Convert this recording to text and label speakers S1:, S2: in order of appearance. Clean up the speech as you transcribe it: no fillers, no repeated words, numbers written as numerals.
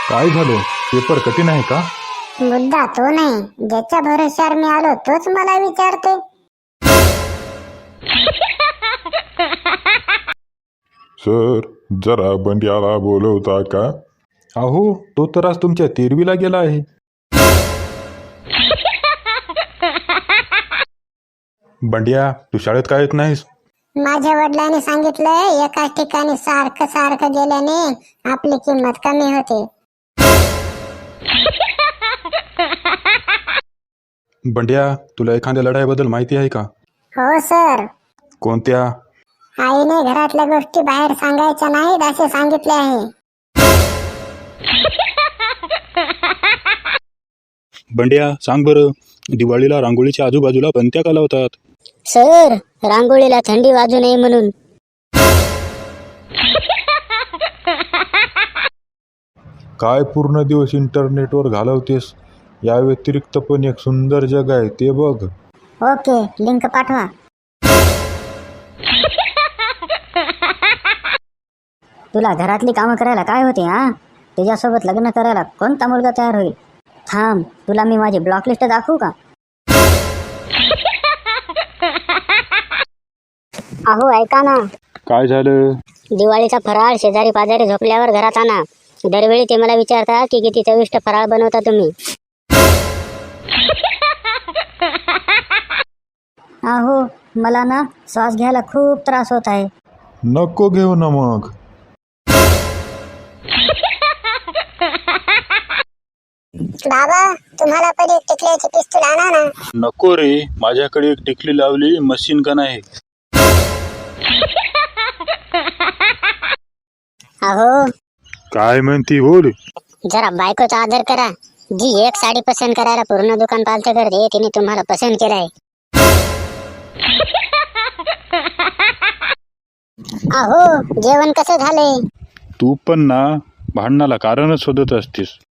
S1: काय झालं? पेपर कठीण आहे का?
S2: मुद्दा तो नाही, ज्याच्या भरोश्यावर मी आलो तोच मला विचारते.
S3: सर, जरा बंड्याला बोलवता का?
S1: अहो, तो तर आज तुमच्या 13वीला गेला आहे. बंड्या, तू शाळेत का येत नाहीस?
S2: माझ्या वडिलांनी सांगितलंय, एकाच ठिकाणी सारखं सारखं गेल्याने आपली किंमत कमी होते.
S1: बंड्या, तुला एखाद्या लढाईबद्दल माहिती आहे का?
S2: हो सर,
S1: कोणत्या?
S2: आईने घरातल्या गोष्टी बाहेर सांगायच्या नाहीत असे सांगितले आहे.
S1: बंड्या, सांग बरं, दिवाळीला रांगोळीच्या आजूबाजूला पणत्या का लावतात?
S2: सर, रांगोळीला थंडी वाजू नये म्हणून.
S1: काय पूर्ण दिवस इंटरनेटवर घालवतेस? या व्यतिरिक्त पण एक सुंदर जग आहे, ते बघ.
S2: ओके, लिंक पाठवा. तुला घरातली कामं करायला काय होते हा? तुझ्यासोबत लग्न करायला कोणता मुलगा तयार होईल? थांब, तुला मी माझी ब्लॉक लिस्ट दाखवू का? अहो ऐका ना,
S1: काय झालं?
S2: दिवाळीचा फराळ शेजारी पाजारी झोपल्यावर घरात आणा. दरवेळी ते मला विचारता की किती चविष्ट फराळ बनवता तुम्ही. अहो, मला ना श्वास घ्यायला खूप त्रास होत आहे.
S1: नको घेऊ ना मग.
S2: बाबा, तुम्हाला पण एक टिकल्याची पिस्तूल आणा ना.
S1: नको रे, माझ्याकडे एक टिकली लावली मशीन गन आहे.
S2: अहो,
S1: काय म्हणती बोल.
S2: जरा बायकोचा आदर करा. जी एक साडी पसंत करायला पूर्ण दुकान पालतं करते, तिने तुम्हाला पसंत केलाय. अहो, जेवण कसं झालंय?
S1: तू पण ना भांडणाला कारणच शोधत असतीस.